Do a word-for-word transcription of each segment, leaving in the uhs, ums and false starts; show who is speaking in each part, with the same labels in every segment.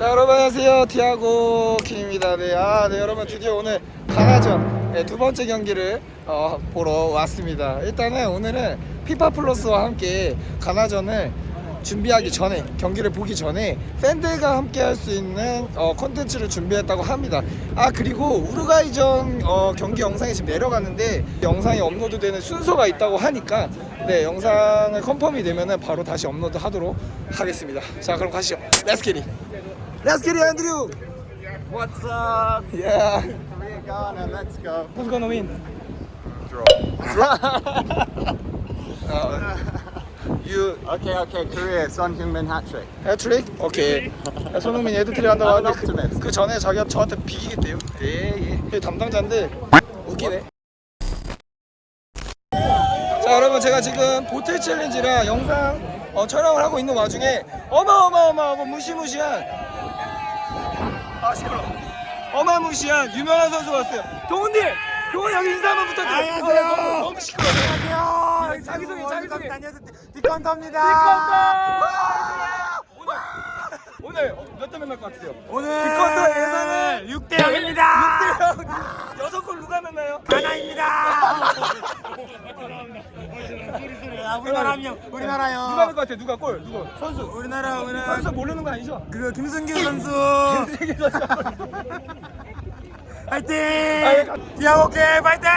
Speaker 1: 자, 여러분 안녕하세요. 티아고 킴입니다. 네, 아, 네, 여러분 드디어 오늘 가나전 네, 두 번째 경기를 어, 보러 왔습니다. 일단은 오늘은 피파 플러스와 함께 가나전을 준비하기 전에, 경기를 보기 전에 팬들과 함께 할 수 있는 어, 콘텐츠를 준비했다고 합니다. 아, 그리고 우루과이전 어, 경기 영상이 지금 내려갔는데 영상이 업로드되는 순서가 있다고 하니까 네, 영상을 컨펌이 되면은 바로 다시 업로드 하도록 하겠습니다. 자, 그럼 가시죠. Let's get it. Let's get it, Andrew.
Speaker 2: What's up?
Speaker 1: Yeah.
Speaker 2: Korea, Ghana, let's go.
Speaker 1: Who's gonna win?
Speaker 2: Draw.
Speaker 1: Uh, you
Speaker 2: Okay, okay, Korea, Son Heung-min hat trick.
Speaker 1: 해트릭? 오케이. 야, 손흥민이 헤드트릭 한다고
Speaker 2: I'm an
Speaker 1: 하는데 그,
Speaker 2: optimist.
Speaker 1: 그 전에 자기가 저한테 비기겠대요. 예, 예. 담당자인데 웃기네. 자, 여러분 제가 지금 보틀 챌린지랑 영상 어, 촬영을 하고 있는 와중에 어마어마어마어마 무시무시한 아 시끄러 어마무시한 유명한 선수가 왔어요. 동훈님! 동훈 여기 인사 한번 부탁드려요.
Speaker 2: 안녕하세요.
Speaker 1: 어, 너무, 너무 시끄러워.
Speaker 2: 안녕하세요.
Speaker 1: 자기소개, 자기소개.
Speaker 2: 안녕하세요. 디컨터입니다.
Speaker 1: 오늘 오늘 몇 대 만날 것 같으세요?
Speaker 2: 오늘
Speaker 1: 디컨터 예상은
Speaker 2: 육 대 영입니다.
Speaker 1: 여섯 골 누가 넣나요?
Speaker 2: 가나입니다. 우리나라 한 명. 우리나라요.
Speaker 1: 누가 넣을 것 같아? 누가 골? 누구? 선수.
Speaker 2: 우리나라 오늘
Speaker 1: 선수 모르는 거 아니죠?
Speaker 2: 그 김승규 선수.
Speaker 1: 세계 선수.
Speaker 2: 파이팅!
Speaker 1: 아이,
Speaker 2: 디아고 게임 파이팅!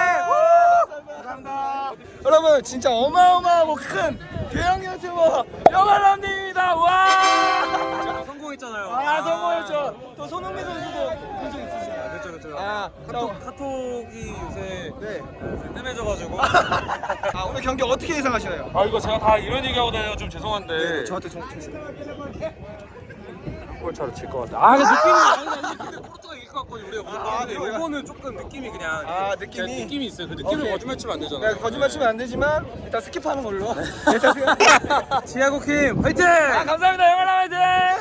Speaker 1: 감사합니다. 여러분 진짜 어마어마하고 큰 대형 유튜버 영알람님입니다. 와!
Speaker 2: 제가 성공했잖아요.
Speaker 1: 아 성공했죠. 또 손흥민 선수도 본적 있으시나요?
Speaker 2: 그렇죠, 그렇죠.
Speaker 1: 아,
Speaker 2: 카톡, 카톡이 요새
Speaker 1: 네.
Speaker 2: 뜸해져가지고.
Speaker 1: 아 오늘 경기 어떻게 예상하시나요?
Speaker 3: 아 이거 제가 다 이런 얘기하고 다녀요. 좀 죄송한데
Speaker 1: 네, 저한테 좀 주세요.
Speaker 3: 골차로 칠 것 같아. 아 근데 느낌이
Speaker 2: 아니 아니 근데 포르투갈 이길 것 같거든요. 우리가 무조건.
Speaker 1: 아,
Speaker 2: 근데
Speaker 1: 그래요?
Speaker 2: 요거는 조금 느낌이 그냥.
Speaker 1: 아,
Speaker 2: 제
Speaker 1: 느낌이?
Speaker 2: 느낌이 있어요. 그 느낌을
Speaker 1: 오케이.
Speaker 2: 거짓말 치면 안 되잖아요.
Speaker 1: 네, 거짓말 치면 안 되지만 일단 스킵하는 걸로. 일단 스킵.
Speaker 2: 디아고 킴 화이팅!
Speaker 1: 아, 감사합니다. 영알람 화이팅!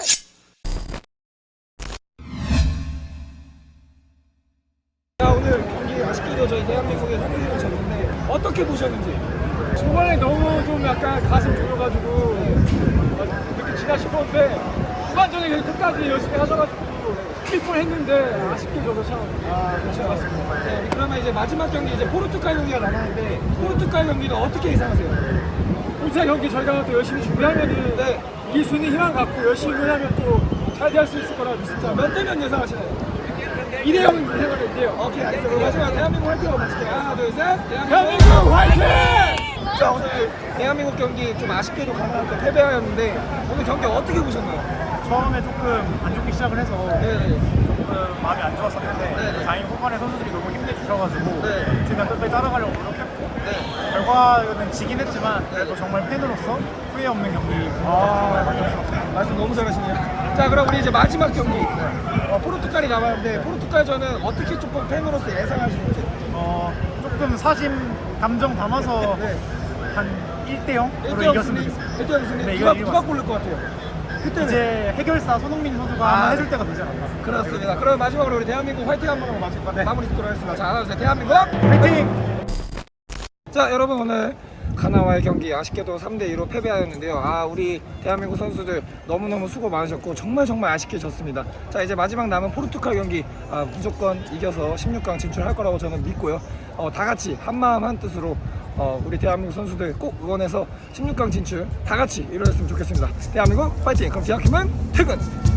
Speaker 1: 자, 오늘 경기 아쉽게도 저희 대한민국의 선수를 졌는데 어떻게 보셨는지?
Speaker 4: 초반에 너무 좀 약간 가슴 졸여가지고 이렇게 지나 싶었는데 후반전에 끝까지 열심히 하셔가지고 이길 뻔했는데 아쉽게 져서 참
Speaker 1: 아, 그렇죠. 맞습니다. 네, 그러면 이제 마지막 경기 이제 포르투갈 경기가 남았는데 포르투갈 경기는 어떻게 예상하세요?
Speaker 4: 울산 경기 저희가 또 열심히 준비하면은
Speaker 1: 네.
Speaker 4: 이길 수 있는 희망 갖고 열심히 하면 또 잘 될 수 있을 거라 믿습니다.
Speaker 1: 몇 대면 예상하시나요?
Speaker 4: 이 대 영은 생각을 했대요.
Speaker 1: 오케이, 알겠습니다. 마지막 대한민국 화이팅 한번 마칠게요. 하나, 둘, 셋.
Speaker 4: 대한민국 화이팅!
Speaker 1: 자, 오늘 대한민국 경기 좀 아쉽게도 가나한테 패배하였는데 오늘 경기 어떻게 보셨나요?
Speaker 5: 처음에 조금 안 좋게 시작을 해서
Speaker 1: 네.
Speaker 5: 조금 마음이 안 좋았었는데
Speaker 1: 네.
Speaker 5: 다행히 후반에 선수들이 너무 힘내주셔가지고
Speaker 1: 네.
Speaker 5: 제가 끝까지 따라가려고 노력했고
Speaker 1: 네.
Speaker 5: 결과는 지긴 했지만 그래도 정말 팬으로서 후회 없는 경기
Speaker 1: 아, 말씀 너무 잘하시네요. 자, 그럼 우리 이제 마지막 경기 어, 포르투갈이 남았는데 포르투갈전은 어떻게 조금 팬으로서 예상하시는지?
Speaker 5: 어, 조금 사심 감정 담아서
Speaker 1: 네.
Speaker 5: 한 일 대 영으로
Speaker 1: 일 대 영
Speaker 5: 이겼으면
Speaker 1: 승리?
Speaker 5: 좋겠습니다.
Speaker 1: 일 대 영 승리?
Speaker 5: 네,
Speaker 1: 누가,
Speaker 5: 이거
Speaker 1: 누가
Speaker 5: 이겼습니다.
Speaker 1: 고를 것 같아요? 그때는
Speaker 5: 이제 해결사 손흥민 선수가
Speaker 1: 아,
Speaker 5: 하나
Speaker 1: 네.
Speaker 5: 해줄 때가 되지 않았나.
Speaker 1: 그렇습니다. 그럼 마지막으로 우리 대한민국 화이팅 한번 하고 마칠 것
Speaker 5: 네.
Speaker 1: 마무리 짓도록 하겠습니다. 자, 하나, 둘, 셋. 대한민국
Speaker 5: 파이팅!
Speaker 1: 자, 여러분 오늘 가나와의 경기 아쉽게도 삼 대 이로 패배하였는데요. 아, 우리 대한민국 선수들 너무너무 수고 많으셨고 정말 정말 아쉽게 졌습니다. 자, 이제 마지막 남은 포르투갈 경기 아, 무조건 이겨서 십육 강 진출할 거라고 저는 믿고요. 어, 다 같이 한마음 한뜻으로 어, 우리 대한민국 선수들 꼭 응원해서 십육 강 진출 다 같이 이루었으면 좋겠습니다. 대한민국 파이팅! 그럼 디아킴은 퇴근!